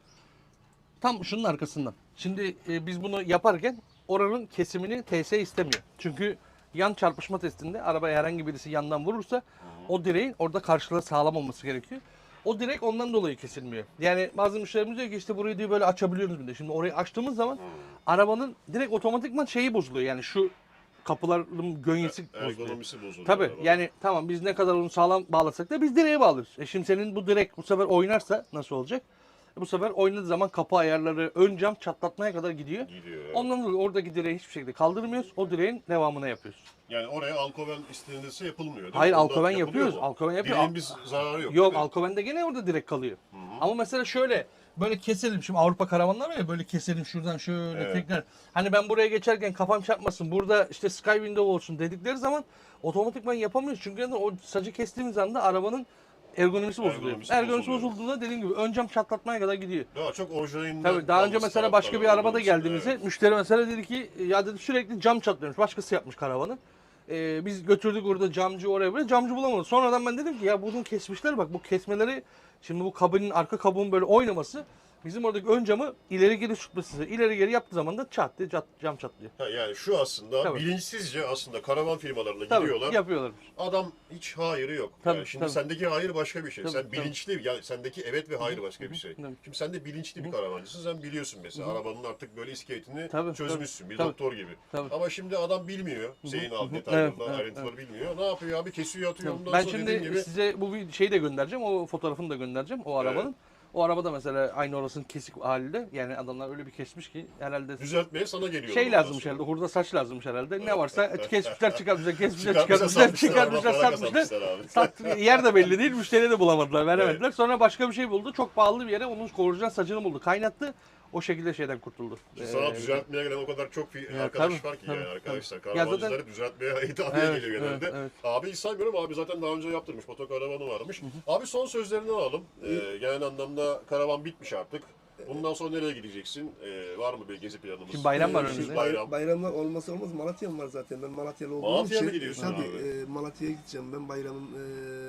S1: Tam şunun arkasından. Şimdi e, biz bunu yaparken oranın kesimini T S istemiyor. Çünkü yan çarpışma testinde arabaya herhangi birisi yandan vurursa o direğin orada karşılığı sağlam olması gerekiyor. O direk ondan dolayı kesilmiyor. Yani bazı müşterimiz diyor ki işte burayı diyor böyle açabiliyoruz bir de. Şimdi orayı açtığımız zaman arabanın direkt otomatikman şeyi bozuluyor. Yani şu kapıların gönyesi bozuluyor.
S2: Ergonomisi bozuluyor.
S1: Tabii
S2: araba.
S1: yani tamam biz ne kadar onu sağlam bağlasak da biz direğe bağlıyoruz. E şimdi senin bu direk bu sefer oynarsa nasıl olacak? E bu sefer oynadığı zaman kapı ayarları ön cam çatlatmaya kadar gidiyor.
S2: Gidiyor. Evet.
S1: Ondan dolayı oradaki direği hiçbir şekilde kaldırmıyoruz. O direğin devamına yapıyoruz.
S2: Yani oraya alkoven istenilirse yapılmıyor değil mi?
S1: Hayır,
S2: Onda
S1: alkoven
S2: yapılıyor
S1: yapıyoruz.
S2: mu?
S1: Alkoven yapıyor.
S2: Direğin bir zararı yok.
S1: Yok
S2: değil mi?
S1: alkovende gene orada direk kalıyor. Ama mesela şöyle böyle keselim. Şimdi Avrupa karavanlar var ya böyle keselim şuradan şöyle
S2: Evet.
S1: tekrar. Hani ben buraya geçerken kafam çarpmasın. Burada işte sky window olsun dedikleri zaman otomatikman yapamıyoruz. Çünkü neden? O sacı kestiğimiz anda arabanın ergonomisi bozuluyor.
S2: Ergonomisi
S1: Ergonomisi
S2: bozuluyor.
S1: bozulduğunda dediğim gibi ön cam çatlatmaya kadar gidiyor.
S2: Daha çok orijinalinden
S1: Tabii daha önce
S2: kalması
S1: mesela
S2: taraftarı
S1: başka bir arabada
S2: olduğumuz
S1: geldiğimizde
S2: için,
S1: müşteri mesela dedi ki ya dedi sürekli cam çatlıyormuş. Başkası yapmış karavanı. Ee, biz götürdük orada camcı oraya böyle camcı bulamadık. Sonradan ben dedim ki ya bunu kesmişler bak bu kesmeleri şimdi bu kabinin arka kabuğun böyle oynaması bizim oradaki ön camı ileri geri tutması. İleri geri yaptığı zaman da çat diye cat- cam çatlıyor.
S2: Ha, yani şu aslında
S1: Tabii.
S2: bilinçsizce aslında karavan firmalarına
S1: Tabii
S2: gidiyorlar.
S1: yapıyorlarmış.
S2: Adam hiç hayırı yok.
S1: Tabii,
S2: yani şimdi
S1: tabii.
S2: sendeki hayır başka bir şey.
S1: Tabii,
S2: sen
S1: tabii.
S2: bilinçli, yani sendeki evet ve hayır başka bir şey.
S1: Tabii.
S2: Şimdi sen de bilinçli bir karavancısın. Sen biliyorsun mesela arabanın artık böyle iskeletini
S1: Tabii,
S2: çözmüşsün. Bir
S1: tabii.
S2: doktor gibi.
S1: Tabii.
S2: Ama şimdi adam bilmiyor. Senin al detaylarını,
S1: Evet, evet,
S2: ayrıntıları bilmiyor. Ne yapıyor abi? Kesiyor atıyor. Ondan
S1: Ben
S2: sonra
S1: şimdi
S2: dediğin gibi
S1: size bu bir şeyi de göndereceğim. O fotoğrafını da göndereceğim o arabanın. O arabada mesela aynı orasının kesik halinde. Yani adamlar öyle bir kesmiş ki herhalde
S2: düzeltmeye sana geliyor.
S1: şey
S2: ondan
S1: lazımmış
S2: sonra.
S1: herhalde. Hurda saç lazımmış herhalde. Ne varsa kesmişler çıkartmışlar, kesmişler
S2: Çıkartmışlar,
S1: çıkartmışlar,
S2: satmışlar,
S1: çıkartmışlar
S2: ama
S1: satmışlar.
S2: para kazanmışlar
S1: Sat,
S2: abi.
S1: yer de belli değil. Müşteriye de bulamadılar, veremediler. Sonra başka bir şey buldu. Çok pahalı bir yere onun orijinal saçını buldu. Kaynattı. O şekilde şeyden kurtuldu.
S2: Sana
S1: Ee,
S2: düzeltmeye gelen o kadar çok fi-
S1: Ya,
S2: arkadaş
S1: tabii,
S2: var ki
S1: tabii,
S2: yani
S1: tabii.
S2: arkadaşlar.
S1: Ya
S2: Karavancıları
S1: zaten-
S2: düzeltmeye hitapeye
S1: Evet,
S2: geliyor genelde.
S1: evet, evet.
S2: Abi hiç saymıyorum abi zaten daha önce yaptırmış motokaravanı varmış. Abi son sözlerini alalım. Ee, genel anlamda karavan bitmiş artık. Bundan sonra nereye gideceksin? Ee, var mı bir gezi planımız?
S1: Şimdi bayram var
S3: Ee,
S1: önümüzde.
S3: şimdi
S2: Bayram.
S3: Bayramlar olmazsa olmaz Malatya'm var zaten. Ben Malatyalı olduğum
S2: Malatya'ya
S3: için.
S2: mı gidiyorsun
S3: tabii,
S2: abi?
S3: e, Malatya'ya gideceğim ben bayramın e,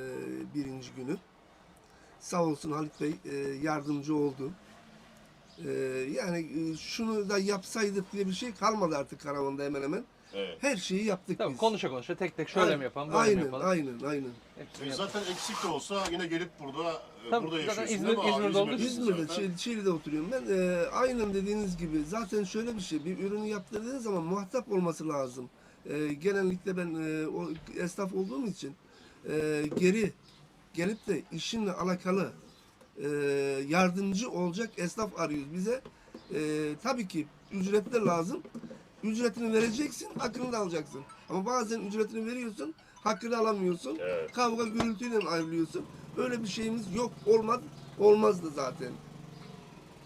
S3: birinci günü. Sağ olsun Halit Bey e, yardımcı oldu. E, yani e, şunu da yapsaydık diye bir şey kalmadı artık karavanda hemen hemen.
S2: Evet.
S3: Her şeyi yaptık
S1: Tamam
S3: biz.
S1: konuşa konuşa tek tek şöyle mi yapalım, böyle
S3: aynen,
S1: mi yapalım?
S3: Aynen, aynen.
S1: Hepsini
S2: E,
S1: yapalım.
S2: zaten eksik de olsa yine gelip burada e,
S1: Tabii,
S2: burada
S1: zaten
S2: yaşıyorsun
S1: İzmir-
S2: değil mi abi?
S1: İzmir'de olduğu için.
S2: İzmir'desin
S3: İzmir'de,
S2: zaten.
S3: Çil- Çiğli'de oturuyorum ben. Ee, aynen dediğiniz gibi. Zaten şöyle bir şey, bir ürünü yaptırdığınız zaman muhatap olması lazım. Ee, genellikle ben e, o esnaf olduğum için e, geri gelip de işinle alakalı e, yardımcı olacak esnaf arıyoruz bize. E, tabii ki ücret de lazım. Ücretini vereceksin, hakkını da alacaksın. Ama bazen ücretini veriyorsun, hakkını alamıyorsun.
S2: Evet.
S3: Kavga gürültüyle ayrılıyorsun. Öyle bir şeyimiz yok, olmaz, olmazdı zaten.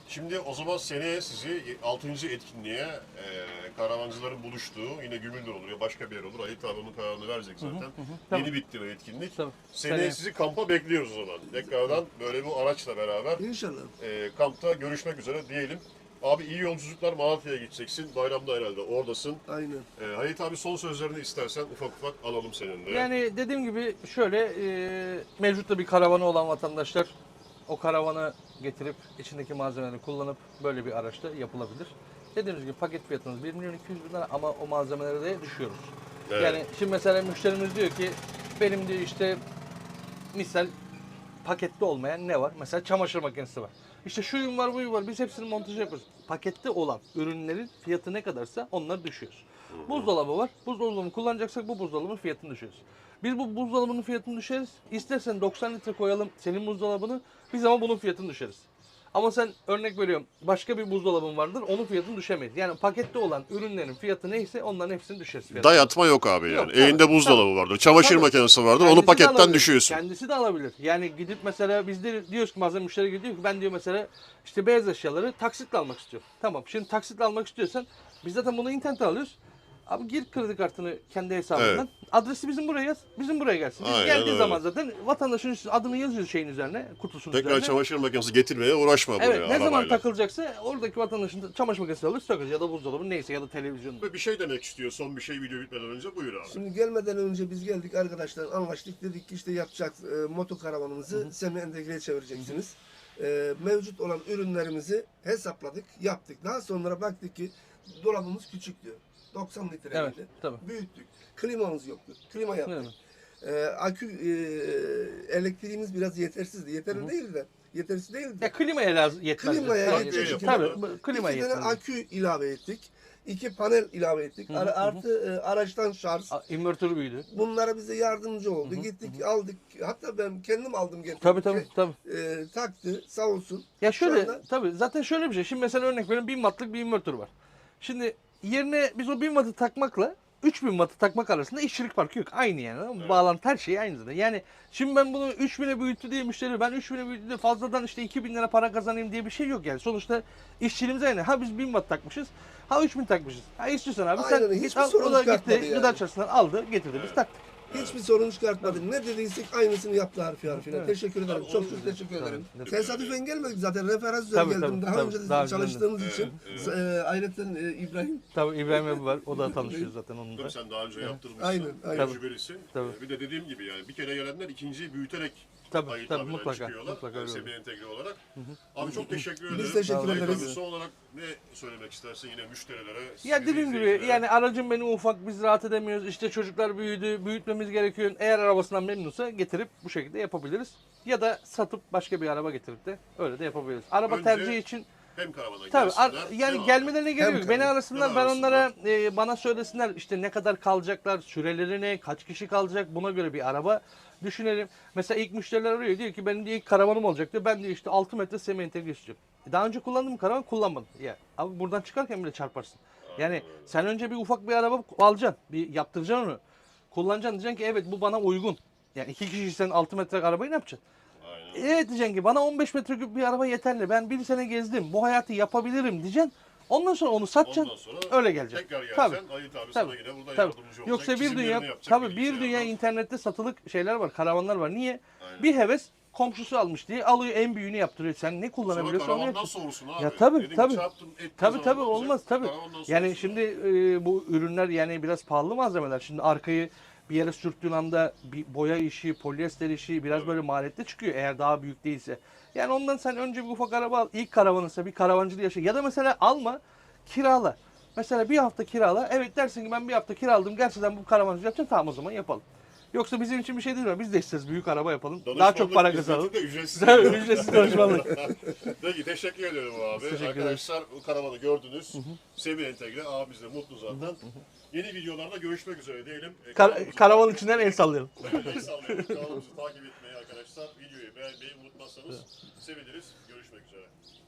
S2: Şimdi o zaman seneye sizi altıncı etkinliğe e, karavancıların buluştuğu yine Gümüldür olur ya başka bir yer olur. Halit abi onun kararını verecek zaten.
S1: Tamam.
S2: Yeni bitti o etkinlik.
S1: Tabii.
S2: Seneye
S1: Seneye.
S2: sizi kampa bekliyoruz o zaman. Tekrardan böyle bu araçla beraber
S3: İnşallah.
S2: e, kampta görüşmek üzere diyelim. Abi iyi yolculuklar, Malatya'ya gideceksin. Bayramda herhalde oradasın.
S3: Aynen.
S2: E, Halit abi son sözlerini istersen ufak ufak alalım seninle.
S1: Yani dediğim gibi şöyle e, mevcutta bir karavanı olan vatandaşlar o karavanı getirip içindeki malzemeleri kullanıp böyle bir araçta yapılabilir. Dediğimiz gibi paket fiyatımız bir milyon iki yüz bin lira ama o malzemelere de düşüyoruz.
S2: Evet.
S1: Yani şimdi mesela müşterimiz diyor ki benim diyor işte misal pakette olmayan ne var? Mesela çamaşır makinesi var. İşte şuyum var buyum var biz hepsini montaj yapıyoruz. Pakette olan ürünlerin fiyatı ne kadarsa onları düşüyoruz. Buzdolabı var. Buzdolabını kullanacaksak bu buzdolabının fiyatını düşürüyoruz. Biz bu buzdolabının fiyatını düşeriz. İstersen doksan litre koyalım senin buzdolabını. Biz ama bunun fiyatını düşeriz. Ama sen örnek veriyorum başka bir buzdolabın vardır onun fiyatını düşemeyiz. Yani pakette olan ürünlerin fiyatı neyse onların hepsini düşeriz. fiyatını.
S2: Dayatma yok abi yani.
S1: Yok, tabii,
S2: Elinde buzdolabı vardır. Çamaşır
S1: Tabii.
S2: makinesi vardır.
S1: Kendisi
S2: Onu
S1: de
S2: paketten
S1: alabilir.
S2: düşüyorsun.
S1: Kendisi de alabilir. Yani gidip mesela biz de diyoruz ki bazen müşteri gidiyor ki ben diyor mesela işte beyaz eşyaları taksitle almak istiyorum. Tamam şimdi taksitle almak istiyorsan biz zaten bunu internetten alıyoruz. Abi gir kredi kartını kendi hesabından. Adresi bizim buraya yaz. Bizim buraya gelsin. Biz
S2: Aynen
S1: geldiği
S2: öyle.
S1: zaman zaten vatandaşın üstüne adını yazıyoruz şeyin üzerine, kutusunun
S2: Tekrar
S1: üzerine.
S2: çamaşır makinesi getirmeye uğraşma buraya
S1: Evet ne zaman
S2: arabayla.
S1: takılacaksa oradaki vatandaşın çamaşır makinesi alır sökeriz ya da buzdolabı neyse ya da televizyon.
S2: Ve bir şey demek istiyor son bir şey video bitmeden önce buyur abi.
S3: Şimdi gelmeden önce biz geldik arkadaşlar anlaştık dedik ki işte yapacak e, moto karavanımızı semi entegreye çevireceksiniz. E, mevcut olan ürünlerimizi hesapladık, yaptık. Daha sonra baktık ki dolabımız küçük diyor. doksan litre
S1: Evet,
S3: miydi?
S1: tabii.
S3: Büyüttük. Klimamız yoktu. Klima yaptık.
S1: Evet.
S3: E, akü e, elektriğimiz biraz yetersizdi. Yeterli değildi de. Yetersiz değildi de.
S1: Ya klimaya lazım yetmez.
S3: Klimaya
S1: Tabii,
S3: yetecek
S1: Tabii,
S3: şekilde
S1: bu- klimaya
S3: İki tane
S1: yetmez.
S3: akü ilave ettik. İki panel ilave ettik.
S1: Hı hı,
S3: Ar-
S1: hı hı.
S3: Artı e, araçtan şarj.
S1: A- İnvertörü büyüdü.
S3: Bunlara bize yardımcı oldu. Gittik aldık. Hatta ben kendim aldım getirdim.
S1: Tabii tabii tabii.
S3: E, taktı sağ olsun.
S1: Ya şöyle
S3: anda-
S1: tabii zaten şöyle bir şey. Şimdi mesela örnek veriyorum bin wattlık bir invertör var. Şimdi yerine biz o bin wattı takmakla üç bin wattı takmak arasında işçilik farkı yok. Aynı yani. Anladın mı? Bağlantı her şey aynı zaten. Yani şimdi ben bunu üç bine büyüttü diye müşteri ben üç bine büyüttü diye fazladan işte iki bin lira para kazanayım diye bir şey yok yani. Sonuçta işçiliğimiz aynı. Ha biz bin watt takmışız. Ha üç bin takmışız. Ha istiyorsan abi sen
S3: Aynen,
S1: git
S3: hiçbir
S1: al.
S3: sorun
S1: O da
S3: çıkartmadı
S1: gitti
S3: yani.
S1: gıda çarşısından aldı getirdi biz taktık.
S3: Hiçbir sorun çıkartmadı. Ne dediysek aynısını yaptı harfi harfine.
S1: Evet.
S3: Teşekkür ederim.
S2: Tabii,
S3: çok
S2: olur.
S3: çok teşekkür ederim.
S1: Tabii.
S3: Tesadüfen gelmedik zaten. Referans üzerine
S1: Tabii,
S3: geldim.
S1: tabii,
S3: Daha
S1: tabii.
S3: önce de
S1: Daha
S3: çalıştığımız
S2: Evet,
S3: için.
S2: evet.
S3: E, ayrıca e, İbrahim.
S1: Tabii İbrahim abi var. O da tanışıyor zaten onunla.
S2: Tabii sen daha önce yaptırmışsın.
S3: Aynen, aynen.
S2: Tecrübelisin.
S1: Tabii.
S2: Ee, Bir de dediğim gibi yani bir kere gelenler ikinciyi büyüterek
S1: Tabii,
S2: Halit
S1: tabii,
S2: abiyle
S1: mutlaka,
S2: çıkıyorlar.
S1: mutlaka öyle
S2: Semi
S1: olur.
S2: entegre olarak. Abi çok teşekkür
S3: Biz
S2: ederim.
S3: teşekkür
S2: Halit
S3: ederiz.
S2: abi son olarak ne söylemek istersin yine müşterilere?
S1: Ya
S2: bizi
S1: dediğim gibi
S2: izleyicilere?
S1: yani aracım benim ufak biz rahat edemiyoruz. İşte çocuklar büyüdü, büyütmemiz gerekiyor. Eğer arabasından memnunsa getirip bu şekilde yapabiliriz. Ya da satıp başka bir araba getirip de öyle de yapabiliriz. Araba
S2: Önce
S1: tercihi için
S2: hem karavana
S1: tabii ar-
S2: gelsinler.
S1: yani
S2: değil mi
S1: gelmelerine gerek
S3: Hem
S1: yok. Beni
S3: tabii.
S1: arasınlar
S2: Beni
S1: ben
S2: arasınlar.
S1: onlara e, bana söylesinler işte ne kadar kalacaklar, süreleri ne, kaç kişi kalacak buna göre bir araba düşünelim. Mesela ilk müşteriler arıyor diyor ki benim diyor ilk karavanım olacak diyor. Ben diyor işte altı metre semi entegre istiyorum. E, Daha önce kullandığım karavan kullanmadım. Ya abi buradan çıkarken bile çarparsın. Yani sen önce bir ufak bir araba alacaksın. Bir yaptıracaksın onu. Kullanacaksın diyeceksin ki evet bu bana uygun. Yani iki kişiysen altı metre arabayı ne yapacaksın?
S2: Aynen.
S1: Evet diyeceksin ki bana on beş metreküp bir araba yeterli. Ben bir sene gezdim. Bu hayatı yapabilirim diyeceksin. Ondan sonra onu satacaksın.
S2: Ondan sonra
S1: öyle geleceksin.
S2: tekrar gelsen
S1: Tabii.
S2: Halit abi
S1: Tabii.
S2: sana yine burada
S1: Tabii.
S2: yardımcı olacak.
S1: Yoksa bir
S2: çizimlerini
S1: dünya
S2: yapacak
S1: tabii bir
S2: bilgisayardan.
S1: dünya internette satılık şeyler var, karavanlar var. Niye?
S2: Aynen.
S1: Bir heves komşusu almış diye alıyor en büyüğünü yaptırıyor. Sen ne
S2: Sonra
S1: kullanabiliyorsan onu
S2: karavandan
S1: yapıyorsun.
S2: soğursun abi.
S1: Ya tabii,
S2: Dedin ki
S1: tabii.
S2: çarptın, ettin
S1: Tabii
S2: zaman
S1: tabii
S2: ne olacak?
S1: olmaz tabii.
S2: Karavandan
S1: Yani
S2: soğursun.
S1: şimdi e, bu ürünler yani biraz pahalı malzemeler. Şimdi arkayı bir yere sürttüğün anda bir boya işi, polyester işi biraz böyle maliyetli çıkıyor eğer daha büyük değilse. Yani ondan sen önce bir ufak araba al. İlk karavanınsa bir karavancılığı yaşa. Ya da mesela alma, kirala. Mesela bir hafta kirala. Evet dersin ki ben bir hafta kiraladım. Gerçekten bu karavancılığı yapacağım. Tamam o zaman yapalım. Yoksa bizim için bir şey değil mi? Biz de isteriz büyük araba yapalım. Daha
S2: Danışmanlık
S1: çok para
S2: hizmeti
S1: kazanalım.
S2: de ücretsiz.
S1: Tabii, ücretsiz danışmanlık.
S2: Peki teşekkür ederim abi.
S1: Teşekkür ederiz.
S2: Arkadaşlar bu karavanı gördünüz. Semi entegre abimiz de mutlu zaten. Yeni videolarda görüşmek üzere diyelim. E,
S1: Kar-
S2: kanalımızı-
S1: karavan içinden el sallayalım.
S2: El sallayalım. Kanalımızı takip etmeyi arkadaşlar. Videoyu beğenmeyi unutmazsanız seviniriz. Görüşmek üzere.